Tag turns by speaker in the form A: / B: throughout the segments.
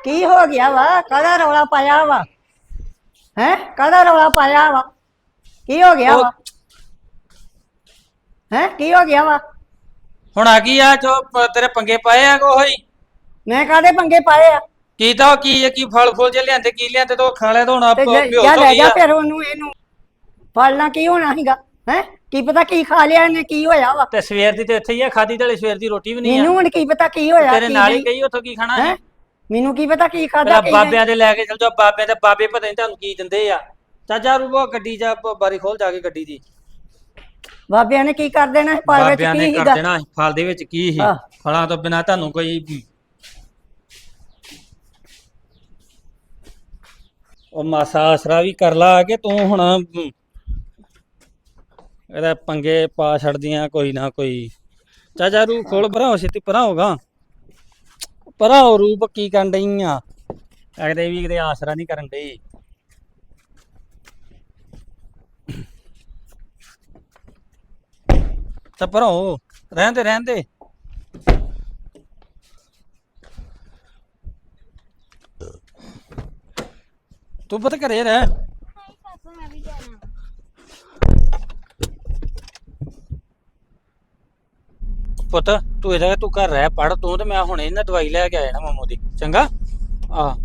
A: ਕੀ ਹੋ ਗਿਆ ਵਾ? ਕਾਹਦਾ ਰੌਲਾ ਪਾਇਆ ਵਾ? ਹੈ ਕਾਹਦਾ ਰੌਲਾ ਪਾਇਆ ਵਾ? ਕੀ ਹੋ ਗਿਆ ਵਾ? ਹੈ ਕੀ ਹੋ ਗਿਆ ਵਾ?
B: ਹੁਣ ਆ ਗਈ ਆ ਜੋ ਤੇਰੇ ਪੰਗੇ ਪਾਏ ਆ ਕੋਈ?
A: ਮੈਂ ਕਾਹਦੇ ਪੰਗੇ ਪਾਏ ਆ?
B: ਕੀ ਤਾਂ ਕੀ ਫਲ ਫੁੱਲ ਜੇ ਲਿਆਂਦੇ ਕੀ ਲਿਆਂਦੇ ਤੋ ਖਾ ਲਿਆ ਤਾਂ ਹੁਣ
A: ਤੇ
B: ਬੇਹੋਸ਼
A: ਜਾ
B: ਹੋ
A: ਲੈ
B: ਗਈ
A: ਜਾ
B: ਆ।
A: ਫਿਰ ਉਹਨੂੰ ਇਹਨੂੰ ਫੜਨਾ ਕੀ ਹੋਣਾ ਸੀਗਾ? ਹੈ ਕੀ ਪਤਾ ਕੀ ਖਾ ਲਿਆ ਇਹਨੇ, ਕੀ ਹੋਇਆ ਵਾ?
B: ਤੇ ਸਵੇਰ ਦੀ ਤੇ ਇੱਥੇ ਹੀ ਆ, ਖਾਦੀ ਤੇ ਸਵੇਰ ਦੀ ਰੋਟੀ ਵੀ ਨਹੀਂ ਆ।
A: ਮੈਨੂੰ ਹੁਣ ਕੀ ਪਤਾ ਕੀ ਹੋਇਆ
B: ਤੇਰੇ
A: ਕੀ
B: ਨਾਲ ਹੀ
A: ਨਹੀਂ।
B: ਗਈ ਉੱਥੋਂ ਕੀ ਖਾਣਾ
A: ਹੈ ਮੈਨੂੰ ਕੀ ਪਤਾ ਕੀ ਖਾਦਾ
B: ਪਹਿਲਾਂ
A: ਕੀ ਨਹੀਂ।
B: ਬਾਬਿਆਂ ਦੇ ਲੈ ਕੇ ਚਲ ਜਾ, ਬਾਬਿਆਂ ਦੇ ਬਾਬੇ ਪਤਾ ਨਹੀਂ ਤੁਹਾਨੂੰ ਕੀ ਦਿੰਦੇ ਆ। ਚਾਚਾ ਰੂਬੋ ਗੱਡੀ ਜਾ ਬਾਰੀ ਖੋਲ ਜਾ ਕੇ ਗੱਡੀ ਦੀ।
A: ਬਾਬਿਆਂ ਨੇ ਕੀ ਕਰ ਦੇਣਾ? ਫਲ ਵਿੱਚ
B: ਬਾਬਿਆਂ ਨੇ
A: ਕੀ
B: ਕਰ
A: ਸੀਗਾ?
B: ਦੇਣਾ ਫਲ ਦੇ ਵਿੱਚ ਕੀ ਸੀ?
A: ਆਹ।
B: ਫਲਾਂ ਤੋਂ ਬਿਨਾ ਤੁਹਾਨੂੰ ਕੋਈ ਉਹ ਮਾਸਾ ਆਸਰਾ ਵੀ ਕਰ ਲਾ ਕਿ ਤੂੰ ਹੁਣ ਇਹਦਾ ਪੰਗੇ ਪਾ ਛੱਡਦੀਆਂ ਕੋਈ ਨਾ ਕੋਈ। ਚਾਚਾ ਰੂ ਖੋਲ ਭਰਾ ਹੋ ਛੇਤੀ ਭਰਾ ਹੋਗਾ ਭਰਾ ਹੋ ਰੂਪ ਕੀ ਕਰਨ ਡਈ ਆ? ਅਗਦੇ ਵੀ ਕਿਤੇ ਆਸਰਾ ਨਹੀਂ ਕਰਨ ਡਈ। ਤਾਂ ਭਰਾਓ ਰਹਿਣ ਦੇ ਤੂੰ ਪਤਾ ਘਰੇ ਰਹਿ। ਪੁੱਤ ਤੂੰ ਇਹਦਾ ਤੂੰ ਘਰ ਰਹਿ ਪੜ ਤੂੰ ਤੇ ਮੈਂ ਹੁਣੇ ਨਾ ਦਵਾਈ ਲੈ ਕੇ ਆਇਆ ਨਾ ਮਾਮੂ ਦੀ। ਚੰਗਾ ਆ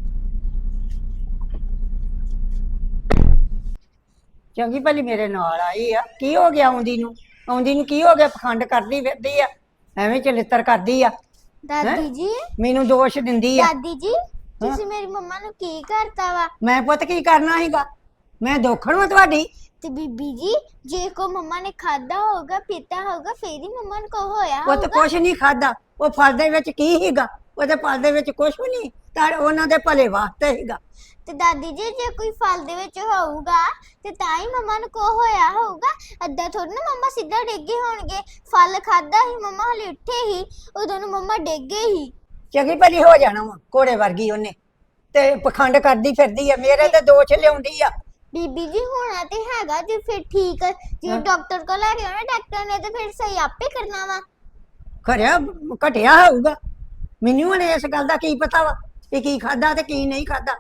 A: ਚੰਗੀ ਭਲੀ ਮੇਰੇ ਨਾਲ ਆਈ ਆ। ਕੀ ਹੋ ਗਿਆ ਆਉਂਦੀ ਨੂੰ? ਆਉਂਦੀ ਨੂੰ ਕੀ ਹੋ ਗਿਆ? ਪਖੰਡ ਕਰਦੀ ਫਿਰਦੀ ਆ, ਐਵੇਂ ਚਲਿੱਤਰ ਕਰਦੀ ਆ।
C: ਦਾਦੀ ਜੀ
A: ਮੈਨੂੰ ਦੋਸ਼ ਦਿੰਦੀ ਆ।
C: ਦਾਦੀ ਜੀ ਤੁਸੀਂ ਮੇਰੀ ਮੰਮਾ ਨੂੰ ਕੀ ਕਰਤਾ ਵਾ?
A: ਮੈਂ ਪੁੱਤ ਕੀ ਕਰਨਾ ਸੀਗਾ? ਮੈਂ ਦੋਖਣ ਵਾ ਤੁਹਾਡੀ?
C: ਤੇ ਬੀਬੀ ਜੀ ਜੇ ਕੋ ਮੰਮਾ ਨੇ ਖਾਦਾ ਹੋਗਾ ਪੀਤਾ ਹੋਗਾ ਫੇਰ ਹੀ ਮੰਮਾ ਨੂੰ ਕੋ ਹੋਇਆ
A: ਪੁੱਤ
C: ਹੋਗਾ।
A: ਕੁਛ ਨਹੀਂ ਖਾਦਾ। ਉਹ ਫਲ ਦੇ ਵਿੱਚ ਕੀ ਸੀਗਾ? ਉਹਦੇ ਫਲ ਦੇ ਵਿੱਚ ਕੁਛ ਵੀ ਨਹੀਂ, ਤਾਂ ਉਹਨਾਂ ਦੇ ਭਲੇ ਵਾਸਤੇ ਸੀਗਾ।
C: ਤੇ ਦਾਦੀ ਜੀ ਜੇ ਕੋਈ ਫਲ ਦੇ ਵਿੱਚ ਹੋਊਗਾ ਤੇ ਤਾਂ ਹੀ ਮੰਮਾ ਨੂੰ ਕੋ ਹੋਇਆ ਹੋਊਗਾ। ਅੱਧਾ ਥੋੜੀ ਨਾ ਮੰਮਾ ਸਿੱਧਾ ਡਿੱਗੇ ਹੋਣਗੇ। ਫਲ ਖਾਦਾ ਹੀ ਮੰਮਾ ਹਲੇ ਉੱਠੇ ਹੀ ਉਦੋਂ ਨੂੰ ਮੰਮਾ ਡਿੱਗੇ ਹੀ।
A: ਚੰਗੀ ਭਲੀ ਹੋ ਜਾਣਾ ਵਾ ਘੋੜੇ ਵਰਗੀ ਉਹਨੇ, ਤੇ ਪਖੰਡ ਕਰਦੀ ਫਿਰਦੀ ਆ, ਮੇਰੇ ਤੇ ਦੋਸ਼ ਲਿਆਉਂਦੀ ਆ।
C: ਬੀਬੀ ਜੀ ਹੋਣਾ ਤੇ ਹੈਗਾ ਜੇ ਫਿਰ ਠੀਕ ਜੇ ਡਾਕਟਰ ਕੋਲ ਲੈ ਕੇ ਆਉਣਾ ਡਾਕਟਰ ਨੇ ਤੇ ਫਿਰ ਸਹੀ ਆਪੇ ਕਰਨਾ ਵਾ।
A: ਖਰਿਆ ਘਟਿਆ ਹੋਊਗਾ। ਮੈਨੂੰ ਹੁਣ ਇਸ ਗੱਲ ਦਾ ਕੀ ਪਤਾ ਵਾ ਕਿ ਕੀ ਖਾਦਾ ਤੇ ਕੀ ਨਹੀਂ ਖਾਦਾ।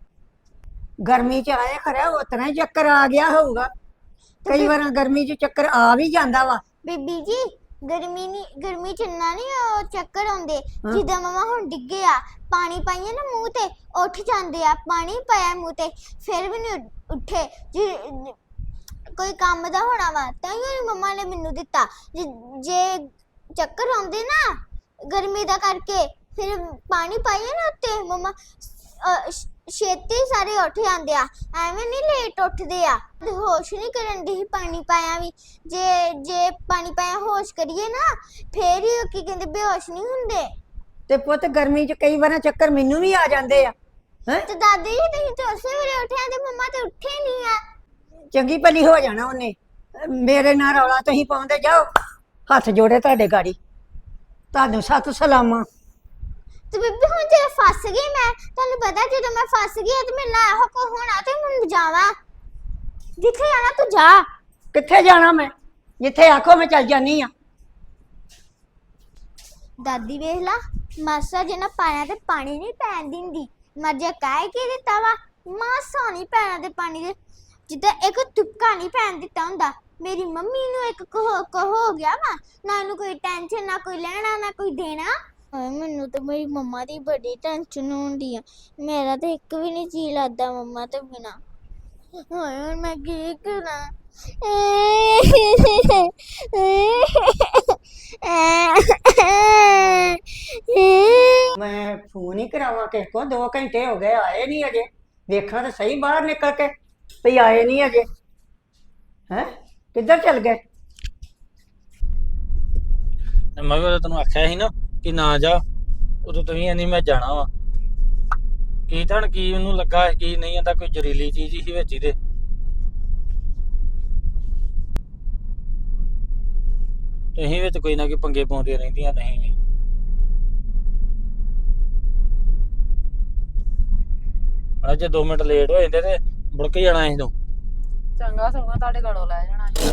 A: ਗਰਮੀ ਚ ਆਏ ਖਰਿਆ ਉਤਨਾ ਹੀ ਚੱਕਰ ਆ ਗਿਆ ਹੋਊਗਾ। ਕਈ ਵਾਰ ਗਰਮੀ ਚ ਚੱਕਰ ਆ ਵੀ ਜਾਂਦਾ ਵਾ।
C: ਬੀਬੀ ਜੀ ਗਰਮੀ ਚ ਇੰਨਾ ਨਹੀਂ ਉਹ ਚੱਕਰ ਆਉਂਦੇ ਜਿੱਦਾਂ ਮਮਾ ਹੁਣ ਡਿੱਗੇ ਆ। ਪਾਣੀ ਪਾਈਏ ਨਾ ਮੂੰਹ ਤੇ ਉੱਠ ਜਾਂਦੇ ਆ। ਪਾਣੀ ਪਾਇਆ ਮੂੰਹ ਤੇ ਫਿਰ ਵੀ ਨਹੀਂ ਉੱਠੇ। ਕੋਈ ਕੰਮ ਦਾ ਹੋਣਾ ਵਾ ਤਾਂ ਹੀ ਮਮਾ ਨੇ ਮੈਨੂੰ ਦਿੱਤਾ। ਜੇ ਚੱਕਰ ਆਉਂਦੇ ਨਾ ਗਰਮੀ ਦਾ ਕਰਕੇ ਫਿਰ ਪਾਣੀ ਪਾਈਏ ਨਾ ਉੱਤੇ ਮਮਾ ਛੇਤੀ ਸਾਰੇ ਉੱਠ ਜਾਂਦੇ ਆ। ਐਵੇਂ ਨਹੀਂ ਲੇਟ ਉੱਠਦੇ ਆ। ਹੋਸ਼ ਨਹੀਂ ਕਰਨ ਦੀ ਪਾਣੀ ਪਾਇਆ ਵੀ। ਜੇ ਪਾਣੀ ਪਾਇਆ ਹੋਸ਼ ਕਰੀਏ ਨਾ ਫੇਰ ਹੀ ਕੀ ਕਹਿੰਦੇ ਬੇਹੋਸ਼ ਨਹੀਂ ਹੁੰਦੇ।
A: ਤੇ ਪੁੱਤ ਗਰਮੀ ਚ ਕਈ ਵਾਰ ਚੱਕਰ ਮੈਨੂੰ ਵੀ ਆ ਜਾਂਦੇ ਆ। ਹੈਂ
C: ਤੇ ਦਾਦੀ ਜੀ ਤੁਸੀਂ ਤਾਂ ਉਸੇ ਵੇਲੇ ਉੱਠਿਆ ਤੇ ਮੰਮਾ ਤੇ ਉੱਠੇ ਨਹੀਂ ਆ।
A: ਚੰਗੀ ਭਲੀ ਹੋ ਜਾਣਾ ਉਹਨੇ। ਮੇਰੇ ਨਾਲ ਰੌਲਾ ਤੁਸੀਂ ਪਾਉਂਦੇ ਜਾਓ। ਹੱਥ ਜੋੜੇ ਤੁਹਾਡੇ ਗਾੜੀ, ਤੁਹਾਨੂੰ ਸਤਿ ਸਲਾਮਾਂ।
C: ਤੇ ਬੀਬੀ ਹੁਣ ਜੇ ਫਸ ਗਈ ਮੈਂ ਤੁਹਾਨੂੰ ਪਤਾ ਜਦੋਂ ਮੈਂ ਫਸ ਗਈ ਤੇ ਮੇਰੇ ਨਾਲ ਇਹੋ ਕੋ ਹੋਣਾ ਤੇ ਮੈਂ ਜਾਵਾਂ। ਜਿੱਥੇ ਜਾਣਾ ਤੂੰ ਜਾ।
A: ਕਿੱਥੇ ਜਾਣਾ ਮੈਂ? ਜਿੱਥੇ ਆਖੋ ਮੈਂ ਚੱਲ ਜਾਨੀ ਆ।
C: ਦਾਦੀ ਵੇਖ ਲਾ ਮਾਸਾ ਜੇ ਨਾ ਪਾਇਆ ਤੇ ਪਾਣੀ ਨਹੀਂ ਪੈਣ ਦਿੰਦੀ। ਮਰਜਾ ਕਾਇ ਕੇ ਦਿੱਤਾ ਵਾ ਮਾਸਾ ਨਹੀਂ ਪੈਣਾ ਤੇ ਪਾਣੀ ਦੇ ਜਿੱਦਾਂ ਇੱਕ ਤੁਪਕਾ ਨਹੀਂ ਪੈਣ ਦਿੱਤਾ ਹੁੰਦਾ। ਮੇਰੀ ਮੰਮੀ ਨੂੰ ਇੱਕ ਕੋ ਹੋ ਗਿਆ ਵਾ ਨਾ ਇਹਨੂੰ ਕੋਈ ਟੈਨਸ਼ਨ ਨਾ ਕੋਈ ਲੈਣਾ ਨਾ ਕੋਈ ਦੇਣਾ। ਮੈਨੂੰ ਤਾਂ ਮੇਰੀ ਮੰਮਾ ਦੀ ਬੜੀ ਟੈਨਸ਼ਨ ਹੁੰਦੀ ਆ। ਮੇਰਾ ਤਾਂ ਇੱਕ ਵੀ ਨਹੀਂ ਜੀ ਲੱਗਦਾ ਮੰਮਾ ਤੋਂ ਬਿਨਾ। ਹੁਣ ਮੈਂ ਕੀ ਕਰਾਂ?
A: ਮੈਂ ਫੋਨ ਹੀ ਕਰਾਵਾਂ ਕਿਸੇ ਕੋ? 2 ਘੰਟੇ ਹੋ ਗਏ ਆਏ ਨਹੀਂ ਅਜੇ। ਵੇਖਾਂ ਤਾਂ ਸਹੀ ਬਾਹਰ ਨਿਕਲ ਕੇ ਵੀ ਆਏ ਨਹੀਂ ਅਜੇ। ਹੈ ਕਿੱਧਰ ਚਲ ਗਏ?
B: ਮੈਂ ਵੀ ਤੈਨੂੰ ਆਖਿਆ ਸੀ ਨਾ ਕਿ ਨਾ ਜਾ। ਉਦੋਂ ਤੁਸੀਂ ਨਹੀਂ ਮੈਂ ਜਾਣਾ ਵਾ। ਕੀ ਧਣ ਕੀ ਉਹਨੂੰ ਲੱਗਾ ਕੀ ਨਹੀਂ ਆਂਦਾ ਕੋਈ ਜ਼ਹਿਰੀਲੀ ਚੀਜ਼ ਹੀ ਵਿੱਚ ਇਹਦੇ। ਤੁਸੀਂ ਵਿੱਚ ਕੋਈ ਨਾ ਕੋਈ ਪੰਗੇ ਪਾਉਂਦੀਆਂ ਰਹਿੰਦੀਆਂ ਨਹੀਂ ਵੀ। ਅੱਜ 2 ਮਿੰਟ ਲੇਟ ਹੋ ਜਾਂਦੇ ਤੇ ਮੁੜ ਕੇ ਜਾਣਾ ਸੀ ਤੂੰ।
D: ਚੰਗਾ ਸਗੋਂ ਤੁਹਾਡੇ ਘਰੋਂ ਲੈ ਜਾਣਾ ਸੀ।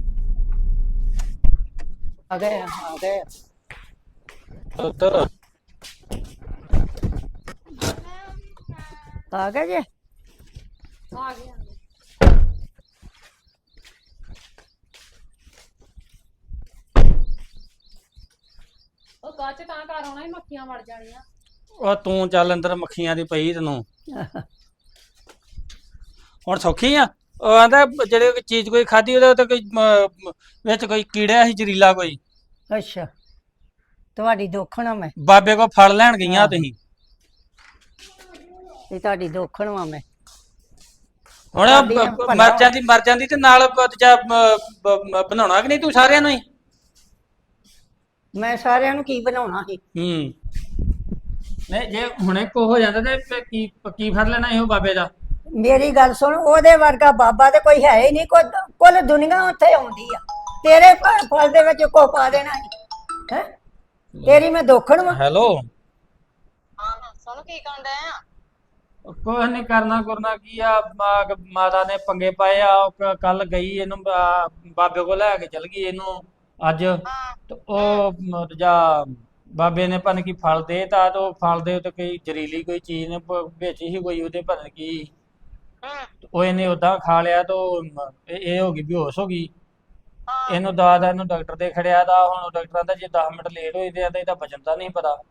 A: ਆ ਗਏ।
B: ਉੱਤਰ
A: ਆ ਗਏ ਜੇ?
D: ਆ ਗਏ ਆਂਦੇ। ਉਹ ਕੱਚ ਤਾਂ ਘਰ ਆਉਣਾ ਹੀ ਮੱਖੀਆਂ ਵੜ ਜਾਣੀਆਂ।
B: ਉਹ ਤੂੰ ਚੱਲ ਅੰਦਰ ਮੱਖੀਆਂ ਦੀ ਪਈ ਤੈਨੂੰ ਹੁਣ ਸੌਖੀ ਆ। ਉਹ ਆਂਦਾ ਜਿਹੜੇ ਕੋਈ ਚੀਜ਼ ਕੋਈ ਖਾਧੀ ਉਹਦੇ ਉੱਤੇ ਕੋਈ ਵਿੱਚ ਕੋਈ ਕੀੜਾ ਸੀ ਜ਼ਹਿਰੀਲਾ ਕੋਈ।
A: ਅੱਛਾ, ਤੁਹਾਡੀ ਦੋਖਣਾ ਮੈਂ,
B: ਬਾਬੇ ਕੋ ਫੜ ਲੈਣ ਗਈਆਂ ਤੁਸੀਂ।
A: ਇਹ ਤੁਹਾਡੀ ਦੋਖਣ ਵਾ ਮੈਂ।
B: ਹੁਣ ਮਰ ਜਾਂਦੀ ਤੇ ਨਾਲ ਦੂਜਾ ਬਣਾਉਣਾ ਕਿ ਨਹੀਂ ਤੂੰ ਸਾਰਿਆਂ ਨੂੰ ਹੀ?
A: ਮੈਂ ਸਾਰਿਆਂ ਨੂੰ ਕੀ ਬਣਾਉਣਾ ਸੀ?
B: ਨਹੀਂ ਜੇ ਹੁਣੇ ਕੋ ਹੋ ਜਾਂਦਾ ਤੇ ਫਿਰ ਕੀ ਫੜ ਲੈਣਾ ਇਹੋ ਬਾਬੇ ਦਾ?
A: ਮੇਰੀ ਗੱਲ ਸੁਣ, ਉਹਦੇ ਵਰਗਾ ਬਾਬਾ ਤੇ ਕੋਈ ਹੈ ਹੀ ਨਹੀਂ। ਕੁੱਲ ਦੁਨੀਆ ਉੱਥੇ ਆਉਂਦੀ ਆ, ਤੇਰੇ ਫਲ ਦੇ ਵਿੱਚ ਕੋ ਪਾ ਦੇਣਾ ਹੈ? ਤੇਰੀ ਮੈਂ ਦੋਖਣ ਵਾ।
B: ਹੈਲੋ,
E: ਹਾਂ ਸੁਣ ਕੀ ਕਹਿੰਦਾ ਆ?
B: ਕੁਛ ਨਹੀਂ ਕਰਨਾ ਕੀ ਆ। ਮਾਤਾ ਨੇ ਪੰਗੇ ਪਾਏ ਆ। ਕੱਲ ਗਈ ਇਹਨੂੰ ਬਾਬੇ ਕੋਲ ਲੈ ਕੇ ਚਲ ਗਈ ਇਹਨੂੰ ਅੱਜ। ਤੇ ਉਹ ਜਾਂ ਬਾਬੇ ਨੇ ਪਤਾ ਕੀ ਫਲ ਦੇ ਤਾ, ਤੇ ਉਹ ਫਲ ਦੇ ਉੱਤੇ ਕੋਈ ਜ਼ਹਿਰੀਲੀ ਕੋਈ ਚੀਜ਼ ਨੇ ਵਿੱਚ ਹੀ ਕੋਈ ਉਹਦੇ ਪਤਾ ਨੀ ਕੀ ਉਹ ਇਹਨੇ ਉਦਾਂ ਖਾ ਲਿਆ। ਤੇ ਇਹ ਹੋ ਗਈ, ਬੇਹੋਸ਼ ਹੋ ਗਈ। ਇਹਨੂੰ ਇਹਨੂੰ ਡਾਕਟਰ ਦੇ ਖੜਿਆ ਦਾ। ਹੁਣ ਡਾਕਟਰਾਂ ਦਾ ਜੇ 10 ਮਿੰਟ ਲੇਟ ਹੋਈ ਤੇ ਇਹਦਾ ਬਚਣ ਦਾ ਨਹੀਂ ਪਤਾ।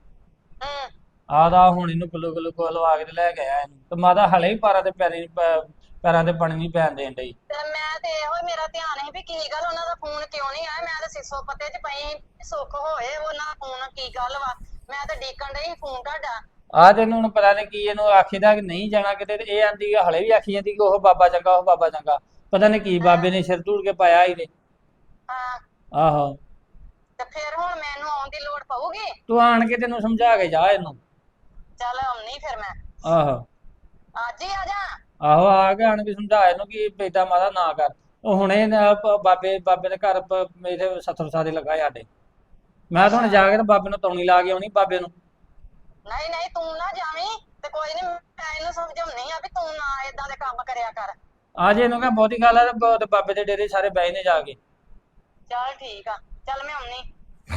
B: ਆਦਾ ਹੁਣ ਇਹਨੂੰ ਗਲੂਕੋ ਲਵਾ ਕੇ ਤੇ ਲੈ ਕੇ ਆਇਆ ਇਹਨੂੰ। ਤੇ ਮਾਤਾ ਹਲੇ ਹੀ ਪੈਰਾਂ ਤੇ ਪਾਣੀ ਨਹੀਂ ਪੈਣ ਦੇਣ ਡਈ।
E: ਤੇ ਮੈਂ ਤੇ ਇਹੋ ਮੇਰਾ ਧਿਆਨ ਸੀ ਵੀ ਕੀ ਗੱਲ ਉਹਨਾਂ ਦਾ ਫੋਨ ਕਿਉਂ ਨਹੀਂ ਆਇਆ। ਮੈਂ ਤਾਂ ਸਿੱਸੋ ਪੱਤੇ 'ਚ ਪਈ ਸੁੱਖ ਹੋਏ ਉਹਨਾਂ ਦਾ ਫੋਨ ਕੀ ਗੱਲ ਵਾ। ਮੈਂ ਤਾਂ ਡੀਕਣ ਡਈ ਫੋਨ ਤੁਹਾਡਾ।
B: ਆ ਤੈਨੂੰ ਹੁਣ ਪਤਾ ਨਹੀਂ ਕੀ ਇਹਨੂੰ ਆਖੀਦਾ ਕਿ ਨਹੀਂ ਜਾਣਾ ਕਿਤੇ। ਤੇ ਇਹ ਆਂਦੀ ਹਲੇ ਵੀ ਆਖੀ ਜਾਂਦੀ ਕਿ ਉਹ ਬਾਬਾ ਚੰਗਾ, ਉਹ ਬਾਬਾ ਚੰਗਾ। ਪਤਾ ਨਹੀਂ ਕੀ ਬਾਬੇ ਨੇ ਸਿਰ ਧੂੜ ਕੇ ਪਾਇਆ ਇਹਦੇ।
E: ਹਾਂ
B: ਆਹੋ,
E: ਤੇ ਫਿਰ ਹੁਣ ਮੈਨੂੰ ਆਉਣ ਦੀ ਲੋੜ ਪਊਗੀ?
B: ਤੂੰ ਆਣ ਕੇ ਤੈਨੂੰ ਸਮਝਾ ਕੇ ਜਾ ਇਹਨੂੰ।
E: ਚੱਲ ਆਉਣੀ ਫਿਰ ਮੈਂ
B: ਆਹੋ
E: ਅੱਜ ਹੀ ਆ ਜਾ।
B: ਆਹੋ, ਆ ਕੇ ਆਣ ਕੇ ਸਮਝਾ ਇਹਨੂੰ ਕਿ ਏਦਾਂ ਮਾਤਾ ਨਾ ਕਰ। ਉਹ ਹੁਣੇ ਬਾਬੇ ਦੇ ਘਰ ਮੇਰੇ 70 ਸਾਲ ਲੱਗਾ ਸਾਡੇ। ਮੈਂ ਤਾਂ ਹੁਣ ਜਾ ਕੇ ਤੇ ਬਾਬੇ ਨੂੰ ਤੌਣੀ ਲਾ ਕੇ ਆਉਣੀ ਬਾਬੇ ਨੂੰ।
E: ਨਹੀਂ ਨਹੀਂ ਤੂੰ ਨਾ ਜਾਵੀਂ। ਤੇ ਕੋਈ ਨਹੀਂ ਮੈਂ ਇਹਨੂੰ ਸਮਝਾਉਣੀ ਆ ਵੀ ਤੂੰ ਨਾ ਏਦਾਂ ਦੇ ਕੰਮ ਕਰਿਆ ਕਰ।
B: ਆ ਜੇ ਇਹਨੂੰ ਕਹ ਬਹੁਤੀ ਗੱਲ ਆ ਤੇ ਬਾਬੇ ਦੇ ਡੇਰੇ ਸਾਰੇ ਬਹਿ ਨੇ ਜਾ ਕੇ।
E: ਚੱਲ ਠੀਕ ਆ, ਚੱਲ ਮੈਂ ਆਉਣੀ।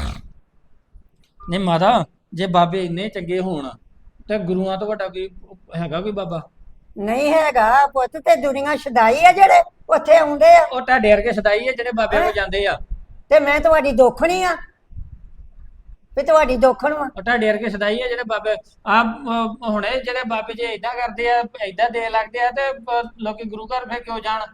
B: ਨਹੀਂ ਮਾਤਾ, ਜੇ ਬਾਬੇ ਇੰਨੇ ਚੰਗੇ ਹੋਣ ਤੇ ਗੁਰੂਆਂ ਤੋਂ ਵੱਡਾ ਕੋਈ ਹੈਗਾ ਕੋਈ ਬਾਬਾ?
A: ਨਹੀਂ ਹੈਗਾ ਪੁੱਤ, ਤੇ ਦੁਨੀਆ ਛਦਾਈ ਆ ਜਿਹੜੇ ਉੱਥੇ ਆਉਂਦੇ ਆ।
B: ਉਹ ਤੁਹਾਡੇ ਵਰਗੇ ਸਦਾਈ ਆ ਜਿਹੜੇ ਬਾਬੇ ਕੋਲ ਜਾਂਦੇ ਆ।
A: ਤੇ ਮੈਂ ਤੁਹਾਡੀ ਦੋਖਣੀ ਆ ਵੀ ਤੁਹਾਡੀ ਦੋਖਣ ਵਾ।
B: ਉਹ ਤੁਹਾਡੇ ਵਰਗੇ ਸਦਾਈ ਆ ਜਿਹੜੇ ਬਾਬੇ ਹੁਣੇ ਜਿਹੜੇ ਬਾਬੇ ਜੇ ਏਦਾਂ ਕਰਦੇ ਆ, ਏਦਾਂ ਦੇ ਲੱਗਦੇ ਆ, ਤੇ ਲੋਕੀ ਗੁਰੂ ਘਰ ਫੇਰ ਕਿਉਂ ਜਾਣ?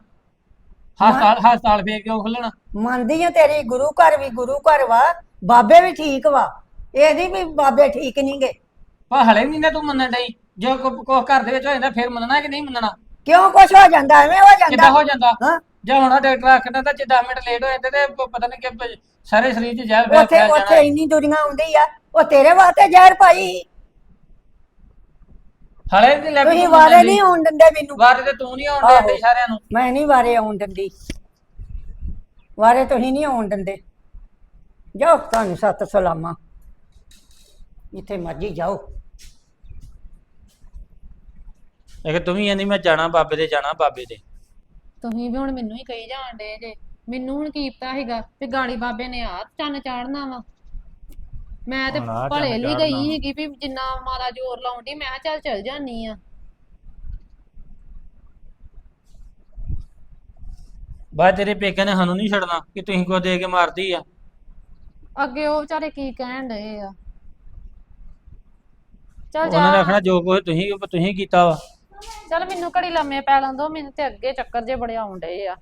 B: ਹਸਪਤਾਲ ਫੇਰ ਕਿਉਂ ਖੁੱਲਣ?
A: ਮੰਨਦੀ ਆ ਤੇਰੀ, ਗੁਰੂ ਘਰ ਵੀ ਗੁਰੂ ਘਰ ਵਾ, ਬਾਬੇ ਵੀ ਠੀਕ ਵਾ। ਇਹ ਨਹੀਂ ਵੀ ਬਾਬੇ ਠੀਕ ਨਹੀਂ ਗੇ।
B: ਪਰ ਹਲੇ ਵੀ ਨਹੀਂ ਤੂੰ ਮੰਨਣ ਡਈ। ਜੇ ਕੋ ਘਰ ਦੇ ਵਿੱਚ ਹੋ ਜਾਂਦਾ ਫੇਰ ਮੰਨਣਾ ਕਿ ਨਹੀਂ ਮੰਨਣਾ?
A: ਕਿਉਂ ਕੁਛ ਹੋ ਜਾਂਦਾ? ਐਵੇਂ ਹੋ
B: ਕਿੱਦਾਂ
A: ਜਾਂਦਾ।
B: ਹੋ ਜਾਂਦਾ?
A: ਹਾਂ,
B: ਜੇ ਹੁਣ ਡਾਕਟਰ ਆਖਦਾ ਤਾਂ ਜੇ 10 ਮਿੰਟ ਲੇਟ ਹੋ ਜਾਂਦੇ ਤੇ ਪਤਾ ਨਹੀਂ ਕਿ ਸਾਰੇ ਸਰੀਰ 'ਚ ਜ਼ਹਿਰ ਫੈਲ
A: ਉੱਥੇ
B: ਜਾਣਾ।
A: ਇੰਨੀ ਦੁਨੀਆ ਆਉਂਦੀ ਆ, ਉਹ ਤੇਰੇ ਵਾਸਤੇ ਜ਼ਹਿਰ ਪਾਈ।
B: ਹਲੇ ਵੀ ਲੈ
A: ਤੁਸੀਂ ਵਾਰੇ ਨਹੀਂ ਆਉਣ ਦਿੰਦੇ ਮੈਨੂੰ।
B: ਵਾਰੇ ਤੇ ਤੂੰ ਨਹੀਂ ਆਉਣ ਦਿੰਦੇ ਸਾਰਿਆਂ ਨੂੰ।
A: ਮੈਂ ਨਹੀਂ ਵਾਰੇ ਆਉਣ ਦਿੰਦੀ। ਵਾਰੇ ਤੁਸੀਂ ਨਹੀਂ ਆਉਣ ਦਿੰਦੇ। ਜਾਓ, ਤੁਹਾਨੂੰ ਸੱਤ ਸਲਾਮਾਂ, ਜਿੱਥੇ ਮਰਜੀ ਜਾਓ।
B: ਇਹ ਤੂੰ ਵੀ ਨਹੀਂ ਮੈਂ ਜਾਣਾ ਬਾਬੇ ਦੇ, ਜਾਣਾ ਬਾਬੇ ਦੇ।
D: ਤੁਸੀਂ ਵੀ ਹੁਣ ਮੈਨੂੰ ਹੀ ਕਹੀ ਜਾਣ ਡੇ ਜੇ। ਮੈਨੂੰ ਹੁਣ ਕੀ ਪਤਾ ਹੈਗਾ ਵੀ ਗਾੜੀ ਬਾਬੇ ਨੇ ਆ ਚੰਨ ਚਾੜਨਾ ਵਾ। ਮੈਂ ਤੇ
B: ਹੁਣ ਆਹ
D: ਭਲੇ
B: ਚੰਨ
D: ਲਈ
B: ਚਾੜ੍ਹਨਾ।
D: ਗਈ ਹੈਗੀ ਵੀ ਜਿੰਨਾ ਮਾਰਾ ਜ਼ੋਰ ਲਾਉਂਦੀ ਮੈਂ ਕਿਹਾ ਚੱਲ ਚਲ ਜਾਨੀ ਆ।
B: ਬਾਅਦ ਤੇਰੇ ਪੇਕੇ ਨੇ ਸਾਨੂੰ ਨਹੀਂ ਛੱਡਣਾ ਕਿ ਤੁਸੀਂ ਕੋ ਦੇ ਕੇ ਮਾਰਦੀ ਆ।
D: ਅੱਗੇ ਉਹ ਵਿਚਾਰੇ ਕੀ ਕਹਿਣ ਡਏ ਆ। ਚੱਲ
B: ਉਹਨਾਂ ਨੇ
D: ਜਾ,
B: ਆਖਣਾ ਜੋ ਕੁਝ ਤੁਸੀਂ ਕੀਤਾ ਵਾ।
D: ਚੱਲ ਮੈਨੂੰ ਘੜੀ ਲੰਮੇ ਪੈ ਲੈਂਦੋ। ਮੈਨੂੰ ਤੇ ਅੱਗੇ ਚੱਕਰ ਜੇ ਬੜੇ ਆਉਣ ਡਏ ਆ।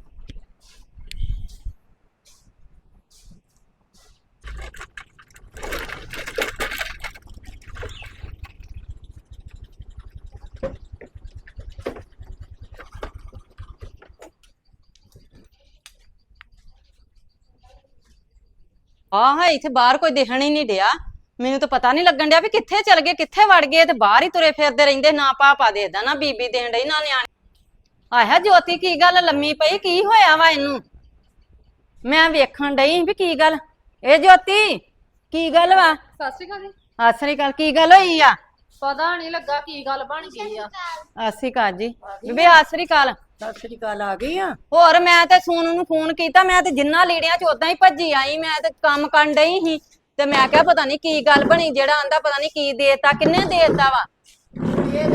F: ਹਾਂ ਇੱਥੇ ਬਾਹਰ ਕੋਈ ਦਿਖਣ ਹੀ ਨਹੀਂ ਡਿਆ। ਮੈਨੂੰ ਤਾਂ ਪਤਾ ਨਹੀਂ ਲੱਗਣ ਡਿਆ ਵੀ ਕਿੱਥੇ ਚਲ ਗਏ, ਕਿੱਥੇ ਵੜ ਗਏ। ਤੇ ਬਾਹਰ ਹੀ ਤੁਰੇ ਫਿਰਦੇ ਰਹਿੰਦੇ, ਨਾ ਪਾਪਾ ਦੇਖਦਾ ਨਾ ਬੀਬੀ ਦੇਣ ਡਈ ਨਾ ਨਿਆਣੇ। ਆਇਆ ਜੋਤੀ, ਕੀ ਗੱਲ ਲੰਮੀ ਪਈ? ਕੀ ਹੋਇਆ ਵਾ ਇਹਨੂੰ? ਮੈਂ ਵੇਖਣ ਡਈ ਵੀ ਕੀ ਗੱਲ। ਇਹ ਜੋਤੀ ਕੀ ਗੱਲ ਵਾ?
D: ਸਤਿ ਸ਼੍ਰੀ ਅਕਾਲ ਜੀ।
F: ਸਤਿ ਸ੍ਰੀ ਅਕਾਲ। ਕੀ ਗੱਲ ਹੋਈ ਆ?
D: ਪਤਾ ਨਹੀਂ ਲੱਗਾ ਕੀ ਗੱਲ ਬਣ ਗਈ ਆ।
F: ਸਤਿ ਸ੍ਰੀ ਅਕਾਲ ਜੀ। ਬੀਬੀ ਸਤਿ ਸ੍ਰੀ ਅਕਾਲ।
A: ਸਤਿ ਸ੍ਰੀ ਅਕਾਲ। ਆ ਗਈ ਆ?
F: ਹੋਰ ਮੈਂ ਤੇ ਸੋਨੂ ਨੂੰ ਫੋਨ ਕੀਤਾ। ਮੈਂ ਤੇ ਜਿੰਨਾ ਲੀੜਿਆਂ ਚ ਉਦਾਂ ਹੀ ਭੱਜੀ ਆਈ। ਮੈਂ ਤੇ ਕੰਮ ਕਰਨ ਡਈ ਸੀ ਤੇ ਮੈਂ ਕਿਹਾ ਪਤਾ ਨਹੀਂ ਕੀ ਗੱਲ ਬਣੀ। ਜਿਹੜਾ ਆਂਦਾ ਪਤਾ ਨਹੀਂ ਕੀ ਦੇਤਾ, ਕਿੰਨੇ ਦੇਤਾ ਵਾ।
A: ਇਹ ਦੱਸ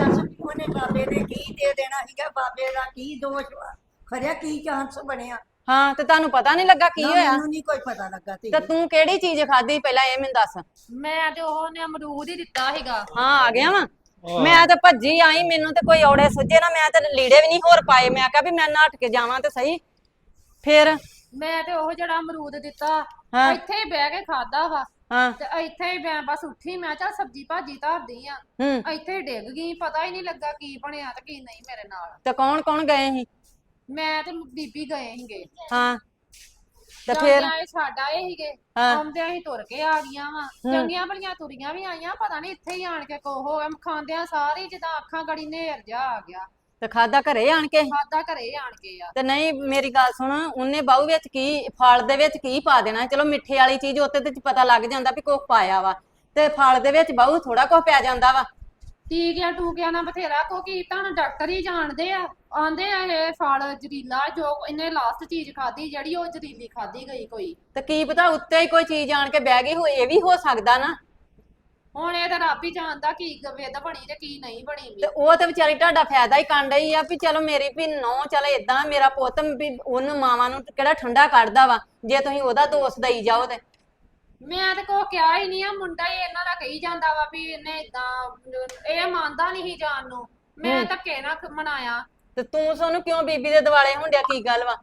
A: ਉਹਨੇ ਬਾਬੇ ਨੇ ਕੀ ਦੇ ਦੇਣਾ ਸੀਗਾ, ਬਾਬੇ ਦਾ ਕੀ ਦੋਸ਼ ਵਾ, ਖਰਿਆ ਕੀ ਚਾਂਸ ਬਣਿਆ।
F: ਹਾਂ ਤੇ ਤੁਹਾਨੂੰ ਪਤਾ ਨਹੀਂ ਲੱਗਾ ਕੀ
A: ਨਾ,
F: ਹੋਇਆ?
A: ਮੈਨੂੰ ਨਹੀਂ ਕੋਈ ਪਤਾ ਲੱਗਾ
F: ਤੇ
A: ਤੇ
F: ਤੂੰ ਕਿਹੜੀ ਚੀਜ਼ ਖਾਧੀ ਪਹਿਲਾਂ ਇਹ ਮੈਨੂੰ ਦੱਸ।
D: ਮੈਂ ਤੇ ਉਹਨੇ ਅਮਰੂਦ ਹੀ ਦਿੱਤਾ ਸੀਗਾ।
F: ਹਾਂ ਆ ਗਿਆ ਵਾ। ਮੈਂ ਤਾਂ ਭੱਜੀ ਆਈ, ਮੈਨੂੰ ਤੇ ਕੋਈ ਔੜੇ ਸੁੱਝੇ ਨਾ, ਮੈਂ ਤੇ ਲੀੜੇ ਵੀ ਨਹੀਂ ਹੋਰ ਪਾਏ। ਮੈਂ ਕਿਹਾ ਵੀ ਮੈਂ ਨੱਠ ਕੇ ਜਾਵਾਂ ਤੇ ਸਹੀ। ਫਿਰ
D: ਮੈਂ ਤੇ ਉਹ ਜਿਹੜਾ ਅਮਰੂਦ ਦਿੱਤਾ
F: ਹਾਂ।
D: ਇੱਥੇ ਹੀ ਬਹਿ ਕੇ ਖਾਦਾ ਵਾ
F: ਹਾਂ
D: ਤੇ ਇੱਥੇ ਹੀ ਮੈਂ ਬਸ ਉੱਠੀ, ਮੈਂ ਚੱਲ ਸਬਜ਼ੀ ਭਾਜੀ ਧਰਦੀ ਆ,
F: ਹੂੰ
D: ਇੱਥੇ ਹੀ ਡਿੱਗ ਗਈ। ਪਤਾ ਹੀ ਨਹੀਂ ਲੱਗਾ ਕੀ ਬਣਿਆ ਤੇ ਕੀ ਨਹੀਂ ਮੇਰੇ ਨਾਲ।
F: ਤੇ ਕੌਣ ਕੌਣ ਗਏ ਸੀ?
D: ਮੈਂ ਤੇ ਬੀਬੀ ਗਏ ਸੀਗੇ।
F: ਹਾਂ ਤੇ ਫਿਰ
D: ਜਾਂਦਿਆਂ ਇਹ ਛੱਡ ਆਏ ਸੀਗੇ,
F: ਹਾਂ।
D: ਆਉਂਦਿਆਂ ਹੀ ਤੁਰ ਕੇ ਆ ਗਈਆਂ ਵਾ। ਚੰਗੀਆਂ ਭਲੀਆਂ ਤੁਰੀਆਂ ਵੀ ਆਈਆਂ, ਪਤਾ ਨਹੀਂ ਇੱਥੇ ਹੀ ਆਣ ਕੇ ਕੋ ਹੋ ਗਿਆ। ਖਾਂਦਿਆਂ ਸਾਰੀ ਜਿੱਦਾਂ ਅੱਖਾਂ ਗੜੀ ਨੇਰ ਜਾ ਆ ਗਿਆ।
F: ਤੇ ਖਾਦਾ ਘਰੇ ਆਣ ਕੇ?
D: ਖਾਦਾ ਘਰੇ ਆਣ ਕੇ ਆ।
F: ਤੇ ਨਹੀਂ ਮੇਰੀ ਗੱਲ ਸੁਣ, ਉਹਨੇ ਬਾਹੂ ਵਿੱਚ ਕੀ, ਫਲ ਦੇ ਵਿੱਚ ਕੀ ਪਾ ਦੇਣਾ? ਚਲੋ ਮਿੱਠੇ ਵਾਲੀ ਚੀਜ਼ ਉੱਤੇ ਤੇ ਪਤਾ ਲੱਗ ਜਾਂਦਾ ਵੀ ਕੁਛ ਪਾਇਆ ਵਾ, ਤੇ ਫਲ ਦੇ ਵਿੱਚ ਬਾਹੂ ਥੋੜਾ ਕੁਛ ਪੈ ਜਾਂਦਾ ਵਾ।
D: ਟੀਕਿਆਂ ਟੂਕਿਆਂ ਨਾਲ ਬਥੇਰਾ ਕੋ ਕੀ, ਤੁਹਾਨੂੰ ਡਾਕਟਰ ਹੀ ਜਾਣਦੇ ਆ। ਆਂਦੇ ਆ ਇਹ ਫਲ ਜ਼ਰੀਲਾ, ਜੋ ਇਹਨੇ ਲਾਸਟ ਚੀਜ਼ ਖਾਧੀ ਜਿਹੜੀ ਉਹ ਜ਼ਰੀਲੀ ਖਾਧੀ ਗਈ ਕੋਈ।
F: ਤੇ ਕੀ ਪਤਾ ਉੱਤੇ ਹੀ ਕੋਈ ਚੀਜ਼ ਆਣ ਕੇ ਬਹਿ ਗਈ ਹੋ, ਇਹ ਵੀ ਹੋ ਸਕਦਾ ਨਾ।
D: ਹੁਣ ਇਹ ਤਾਂ ਰੱਬ ਹੀ ਜਾਣਦਾ ਕੀ ਵਿਧ ਬਣੀ ਤੇ ਕੀ ਨਹੀਂ ਬਣੀ ਵੀ।
F: ਤੇ ਉਹ ਤੇ ਵਿਚਾਰੀ ਤੁਹਾਡਾ ਫਾਇਦਾ ਹੀ ਕਰਨ ਡਈ ਆ ਵੀ ਚਲੋ ਮੇਰੀ ਵੀ ਨੌ ਚੱਲ ਏਦਾਂ ਮੇਰਾ ਪੁੱਤ ਵੀ ਉਹਨੂੰ ਮਾਵਾਂ ਨੂੰ ਕਿਹੜਾ ਠੰਡਾ ਕੱਢਦਾ ਵਾ, ਜੇ ਤੁਸੀਂ ਉਹਦਾ ਦੋਸ਼ ਦਈ ਜਾਓ ਤੇ।
D: ਮੈਂ ਤੇ ਕੋ ਕਿਹਾ ਹੀ ਨਹੀਂ ਆ, ਮੁੰਡਾ ਹੀ ਇਹਨਾਂ ਦਾ ਕਹੀ ਜਾਂਦਾ ਵਾ ਵੀ ਇਹਨੇ ਇਦਾਂ, ਇਹ ਮੰਨਦਾ ਨਹੀਂ ਸੀ ਜਾਣ ਨੂੰ। ਮੈਂ ਧੱਕੇ ਨਾਲ ਮਨਾਇਆ।
F: ਤੇ ਤੂੰ ਸਾਨੂੰ ਕਿਉਂ ਬੀਬੀ ਦੇ ਦਿਵਾਲੇ ਹੁੰਦਿਆ, ਕੀ ਗੱਲ ਵਾ?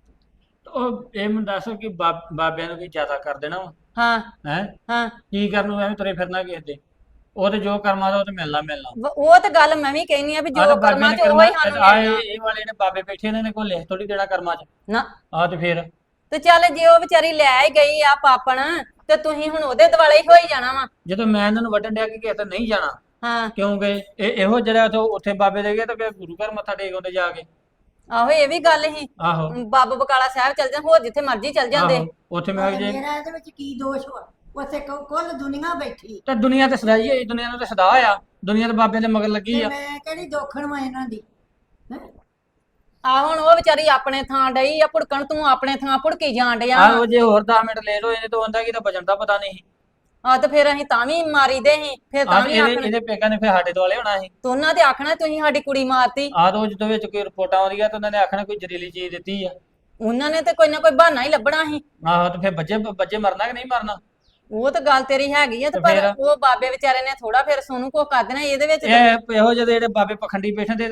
B: ਉਹ ਇਹ ਮੈਨੂੰ ਦੱਸੋ ਕਿ ਬਾਬਿਆਂ ਨੂੰ ਕੀ ਜ਼ਿਆਦਾ ਕਰ ਦੇਣਾ ਵਾ
F: ਹਾਂ
B: ਹੈ?
F: ਹਾਂ
B: ਕੀ ਕਰਨ ਨੂੰ ਐਵੇਂ ਤੁਰੇ ਫਿਰਨਾ ਕਿਸੇ ਦੇ? ਉਹ ਤੇ ਜੋ ਕਰਮਾਂ ਦਾ ਉਹ ਤੇ ਮਿਲਣਾ ਮਿਲਣਾ।
F: ਉਹ ਤੇ ਗੱਲ ਮੈਂ ਵੀ ਕਹਿਨੀ ਆ ਵੀ
B: ਆਹ
F: ਜੋ
B: ਤੇ ਬਾਬਿਆਂ
F: ਕਰਮਾਂ
B: ਨੇ
F: ਚ ਉਹ ਹੀ ਸਾਨੂੰ
B: ਆਹ
F: ਮਿਲਣਾ।
B: ਇਹ ਵਾਲੇ ਨੇ ਬਾਬੇ ਬੈਠੇ, ਇਹਨਾਂ ਨੇ ਕੋਈ ਲਿਖ ਥੋੜੀ ਦੇਣਾ ਕਰਮਾਂ 'ਚ।
F: ਨਾ
B: ਆ ਤੇ ਫਿਰ
F: ਤੇ ਚੱਲ ਜੇ ਉਹ ਵਿਚਾਰੀ ਲੈ ਹੀ ਗਈ ਆ ਪਾਪਣ, ਤੇ ਤੁਸੀਂ ਹੁਣ ਉਹਦੇ ਦਿਵਾਲੇ ਹੀ ਹੋਈ ਜਾਣਾ ਵਾ।
B: ਜਦੋਂ ਮੈਂ ਇਹਨਾਂ ਨੂੰ ਵੱਢਣ ਡਿਆ ਕਿ ਕਿਸੇ ਤੇ ਨਹੀਂ ਜਾਣਾ,
F: ਹਾਂ
B: ਕਿਉਂਕਿ ਇਹੋ ਜਿਹੜਾ ਉੱਥੇ ਬਾਬੇ ਦੇ ਗਏ ਤਾਂ ਫਿਰ ਗੁਰੂ ਘਰ ਮੱਥਾ ਟੇਕ ਆਉਂਦੇ ਜਾ ਕੇ।
F: ਆਹੋ ਇਹ ਵੀ ਗੱਲ ਹੀ।
B: ਆਹੋ
F: ਬਾਬਾ ਬਕਾਲਾ ਸਾਹਿਬ ਚੱਲ ਜਾਂ, ਹੋਰ ਜਿੱਥੇ ਮਰਜ਼ੀ ਚੱਲ ਜਾਂਦੇ।
B: ਆਹੋ ਉੱਥੇ ਮੈਂ ਜੇ
A: ਮੇਰਾ ਇਹਦੇ ਵਿੱਚ ਕੀ ਦੋਸ਼ ਵਾ? ਉੱਥੇ ਕੁੱਲ ਦੁਨੀਆ ਬੈਠੀ
B: ਤਾਂ ਦੁਨੀਆ ਤੇ ਸਦਾਈ ਹੋਈ, ਦੁਨੀਆ ਨੂੰ ਤੇ ਸਦਾ ਆ, ਦੁਨੀਆ ਤੇ ਬਾਬੇ ਦੇ ਮਗਰ ਲੱਗੀ
A: ਤੇ
B: ਆ।
A: ਮੈਂ ਕਿਹੜੀ ਦੋਖਣ ਵਾ ਇਹਨਾਂ ਦੀ ਹੈਂ?
F: ਆ ਹੁਣ ਉਹ ਵਿਚਾਰੀ ਆਪਣੇ ਥਾਂ ਡਈ ਆ ਭੁੜਕਣ, ਤੂੰ ਆਪਣੇ ਥਾਂ ਭੁੜਕੀ ਜਾਣ ਡਿਆ।
B: ਆਹੋ ਜੇ ਹੋਰ 10 ਮਿੰਟ ਲੇਟ ਹੋਏ ਨੇ ਤਾਂ ਉਹਦਾ ਕੀ ਤਾਂ ਬਚਣ ਦਾ ਪਤਾ ਨਹੀਂ।
F: ਆ ਤੇ ਫਿਰ ਅਸੀਂ ਤਾਂ ਵੀ ਮਾਰੀ ਦੇ ਸੀ, ਫਿਰ ਤਾਂ
B: ਆ
F: ਵੀ
B: ਇਹਦੇ
F: ਆਖਣਾ
B: ਇਹਦੇ ਪੇਕਾਂ ਨੇ ਫਿਰ ਸਾਡੇ ਦੁਆਲੇ ਹੋਣਾ ਸੀ।
F: ਤੂੰ ਉਹਨਾਂ ਤੇ ਆਖਣਾ ਤੁਸੀਂ ਸਾਡੀ ਕੁੜੀ ਮਾਰਤੀ।
B: ਆਹ ਤੋਂ ਜਦੋਂ ਵਿੱਚ ਕੋਈ ਰਿਪੋਰਟਾਂ ਆਉਂਦੀਆਂ ਤਾਂ ਉਹਨਾਂ ਨੇ ਆਖਣਾ ਕੋਈ ਜ਼ਹਿਰੀਲੀ ਚੀਜ਼ ਦਿੱਤੀ ਆ।
F: ਉਹਨਾਂ ਨੇ ਤੇ ਕੋਈ ਨਾ ਕੋਈ ਬਹਾਨਾ ਹੀ ਲੱਭਣਾ ਸੀ।
B: ਆਹੋ ਤੇ ਫਿਰ ਬੱਚੇ ਮਰਨਾ ਕਿ ਨਹੀਂ ਮਰਨਾ?
F: ਉਹ ਤਾਂ ਗੱਲ ਤੇਰੀ ਹੈਗੀ ਆ, ਤੇ
B: ਤੇ
F: ਪਰ
B: ਫਿਰ?
F: ਉਹ ਬਾਬੇ ਵਿਚਾਰੇ ਨੇ ਥੋੜਾ ਫਿਰ ਸੋਨੂੰ ਕੋ ਕਰ ਦੇਣਾ ਇਹਦੇ ਵਿੱਚ।
B: ਇਹੋ ਜਿਹੇ ਜਿਹੜੇ ਬਾਬੇ ਪਖੰਡੀ ਬੈਠੇ ਤੇ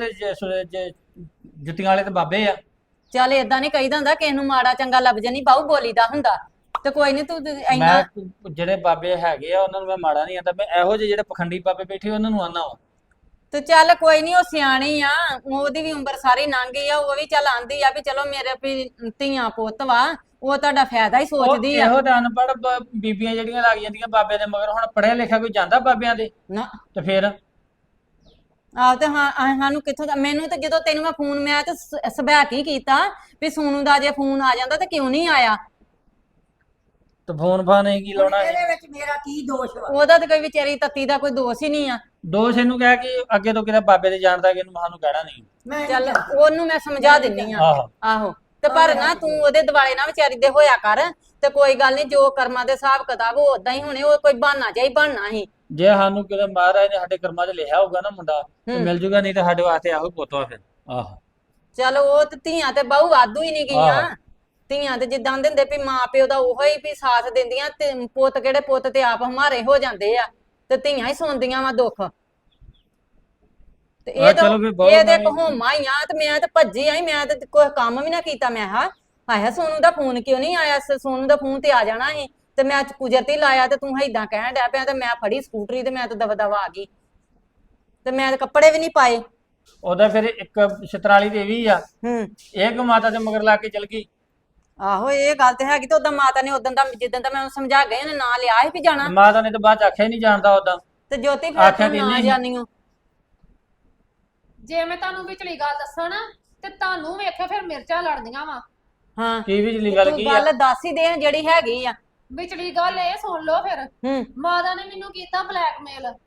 B: ਜੁੱਤੀਆਂ ਵਾਲੇ ਤੇ ਬਾਬੇ ਆ।
F: ਚੱਲ ਏਦਾਂ ਨਹੀਂ ਕਹੀਦਾ ਹੁੰਦਾ, ਕਿਸੇ ਨੂੰ ਮਾੜਾ ਚੰਗਾ ਲੱਭ ਜਾਨੀ ਬਾਹੂ ਬੋਲੀਦਾ ਹੁੰਦਾ। ਤੇ ਕੋਈ ਨਹੀਂ ਤੂੰ ਇੰਨਾ।
B: ਮੈਂ ਜਿਹੜੇ ਬਾਬੇ ਹੈਗੇ ਆ ਉਹਨਾਂ ਨੂੰ ਮੈਂ ਮਾੜਾ ਨਹੀਂ ਆਂਦਾ, ਮੈਂ ਇਹੋ ਜਿਹੇ ਜਿਹੜੇ ਪਖੰਡੀ ਬਾਬੇ ਬੈਠੇ ਉਹਨਾਂ ਨੂੰ ਆਨਾ ਵਾ।
F: ਤੇ ਚੱਲ ਕੋਈ ਨਹੀਂ, ਉਹ ਸਿਆਣੀ ਆ, ਉਹਦੀ ਵੀ ਉਮਰ ਸਾਰੀ ਲੰਘ ਗਈ ਆ। ਉਹ ਵੀ ਚੱਲ ਆਂਦੀ ਆ ਵੀ ਚਲੋ ਮੇਰੇ ਵੀ ਧੀਆਂ ਪੁੱਤ ਵਾ, ਉਹ ਤੁਹਾਡਾ ਫਾਇਦਾ ਹੀ ਸੋਚਦੀ ਆ।
B: ਇਹੋ ਤਾਂ ਅਨਪੜ੍ਹ ਬੀਬੀਆਂ ਜਿਹੜੀਆਂ ਲੱਗ ਜਾਂਦੀਆਂ ਬਾਬੇ ਦੇ ਮਗਰ। ਹੁਣ ਪੜ੍ਹਿਆ ਲਿਖਿਆ ਕੋਈ ਜਾਂਦਾ ਬਾਬਿਆਂ ਦੇ?
F: ਨਾ
B: ਤੇ ਫਿਰ
F: ਆਹ ਤੇ ਹਾਂ ਸਾਨੂੰ ਕਿੱਥੋਂ ਦਾ? ਮੈਨੂੰ ਤੇ ਜਦੋਂ ਤੈਨੂੰ ਮੈਂ ਫੋਨ, ਮੈਂ ਤੇ ਸਬੈਕ ਹੀ ਕੀਤਾ ਵੀ ਸੋਨੂੰ ਦਾ ਜੇ ਫੋਨ ਆ ਜਾਂਦਾ ਤੇ ਕਿਉਂ ਨਹੀਂ ਆਇਆ।
B: ਤੇ ਫੋਨ ਫਾਨ ਨਹੀਂ ਕੀ ਲਾਉਣਾ ਸੀ?
A: ਇਹਦੇ ਵਿੱਚ ਮੇਰਾ ਕੀ ਦੋਸ਼ ਵਾ?
F: ਉਹਦਾ ਤੇ ਕੋਈ ਵਿਚਾਰੀ ਤੱਤੀ ਦਾ ਕੋਈ ਦੋਸ਼ ਹੀ ਨਹੀਂ ਆ।
B: ਦੋਸ਼ ਇਹਨੂੰ ਕਹਿ ਕਿ ਅੱਗੇ ਤੋਂ ਕਿਤੇ ਬਾਬੇ ਦੇ ਜਾਣਦਾ ਕਿ ਇਹਨੂੰ ਸਾਨੂੰ ਕਹਿਣਾ ਨਹੀਂ।
A: ਮੈਂ ਨਹੀਂ
F: ਚੱਲ
A: ਜਾਣਦੀ।
F: ਉਹਨੂੰ ਮੈਂ ਸਮਝਾ ਦਿੰਨੀ ਆ।
B: ਆਹੋ
F: ਆਹੋ ਤੇ ਪਰ ਨਾ ਤੂੰ ਉਹਦੇ ਦਿਵਾਲੇ ਨਾ ਵਿਚਾਰੀ ਦੇ ਹੋਇਆ ਕਰ। ਤੇ ਕੋਈ ਗੱਲ ਨਹੀਂ, ਜੋ ਕਰਮਾਂ ਦੇ ਹਿਸਾਬ ਕਿਤਾਬ ਉਹ ਉਦਾਂ ਹੀ ਹੋਣੇ। ਉਹ ਕੋਈ ਬਹਾਨਾ ਜਿਹਾ ਹੀ ਬਣਨਾ ਸੀ।
B: ਜੇ ਸਾਨੂੰ ਕਿਤੇ ਮਹਾਰਾਜ ਨੇ ਸਾਡੇ ਕਰਮਾਂ 'ਚ ਲਿਖਿਆ ਹੋਊਗਾ ਨਾ ਮੁੰਡਾ ਤੇ ਮਿਲ ਜੂਗਾ, ਨਹੀਂ ਤੇ ਸਾਡੇ ਵਾਸਤੇ ਆਹੋ ਪੁੱਤ ਵਾ ਫਿਰ। ਆਹੋ
F: ਚਲ ਉਹ ਤੇ ਧੀਆਂ ਤੇ ਬਹੁ ਵਾਧੂ ਹੀ ਨਹੀਂ ਗਈਆਂ।
B: ਆਹੋ।
F: ਧੀਆਂ ਤੇ ਜਿੱਦਾਂ ਦਿੰਦੇ ਵੀ ਮਾਂ ਪਿਓ ਦਾ ਉਹੋ ਹੀ ਵੀ ਸਾਥ ਦਿੰਦੀਆਂ, ਤੇ ਪੁੱਤ ਕਿਹੜੇ ਪੁੱਤ ਤੇ ਆਪ ਹਮਾਰੇ ਹੋ ਜਾਂਦੇ ਆ, ਤੇ ਧੀਆਂ ਹੀ ਸੁਣਦੀਆਂ ਵਾ ਦੁੱਖ। ਤੇ
B: ਆਹ
F: ਇਹ ਤਾਂ
B: ਚਲੋ ਵੀ ਬਹੁਤ
F: ਇਹ ਤੇ
B: ਮੈਂ-
F: ਕਹੋਮਾ ਹੀ ਆ। ਤੇ ਮੈਂ ਤੇ ਭੱਜੀ ਆਈ, ਮੈਂ ਤੇ ਕੋਈ ਕੰਮ ਵੀ ਨਾ ਕੀਤਾ। ਮੈਂ ਆਇਆ ਸੋਨੂੰ ਦਾ ਫੋਨ ਕਿਉਂ ਨਹੀਂ ਆਇਆ? ਸੋਨੂੰ ਦਾ ਫੋਨ ਤੇ ਆ ਜਾਣਾ ਸੀ, ਤੇ ਮੈਂ ਕੁਦਰਤੀ ਲਾਇਆ ਤੇ ਤੂੰ ਏਦਾਂ ਕਹਿਣ ਡਿਆ ਪਿਆ, ਤੇ ਮੈਂ ਫੜੀ ਸਕੂਟਰੀ ਤੇ ਮੈਂ ਤਾਂ ਦਵਾ ਦਵਾ ਆ ਗਈ। ਤੇ ਮੈਂ ਤੇ ਕੱਪੜੇ ਵੀ ਨਹੀਂ ਪਾਏ।
B: ਉਹਦਾ ਫਿਰ ਇੱਕ ਛਤਰਾਲੀ ਤੇ ਵੀ ਆ,
F: ਹੂੰ
B: ਇਹ ਕਿ ਮਾਤਾ ਦੇ ਮਗਰ ਲਾ ਕੇ ਚਲ ਗਈ।
F: ਆਹੋ ਇਹ ਗੱਲ ਤੇ ਹੈਗੀ। ਤੇ ਉਦਾਂ ਮਾਤਾ ਨੇ ਉਦੋਂ ਦਾ ਜਿੱਦਣ ਦਾ ਮੈਂ ਉਹਨੂੰ ਸਮਝਾ ਗਈ, ਉਹਨੇ ਨਾਂ ਲਿਆ ਸੀ ਵੀ ਜਾਣਾ।
B: ਮਾਤਾ ਨੇ ਤਾਂ ਬਾਅਦ ਚ ਆਖਿਆ ਹੀ ਨਹੀਂ ਜਾਣਦਾ ਉਦਾਂ।
F: ਤੇ ਜੋਤੀ ਫਿਰ
B: ਆਖਿਆ
F: ਤੂੰ
B: ਕਿ
F: ਨਾ
B: ਨਹੀਂ।
F: ਜਾਣੀਓ।
D: ਜੇ ਮੈਂ ਤੁਹਾਨੂੰ ਵਿਚਲੀ ਗੱਲ ਦੱਸਾਂ ਨਾ, ਤੇ ਤੁਹਾਨੂੰ ਵੇਖਿਆ ਫਿਰ ਮਿਰਚਾਂ ਲੜਦੀਆਂ ਵਾ।
F: ਹਾਂ
B: ਕੀ ਵਿਚਲੀ ਗੱਲ
F: ਤੂੰ
B: ਕੀ ਆ?
F: ਗੱਲ ਦੱਸ ਹੀ ਦੇ ਜਿਹੜੀ ਹੈਗੀ ਆ।
D: ਵਿਚਲੀ ਗੱਲ ਇਹ ਸੁਣ ਲਓ ਫਿਰ।
F: ਹੂੰ
D: ਮਾਤਾ ਨੇ ਮੈਨੂੰ ਕੀਤਾ ਬਲੈਕਮੇਲ।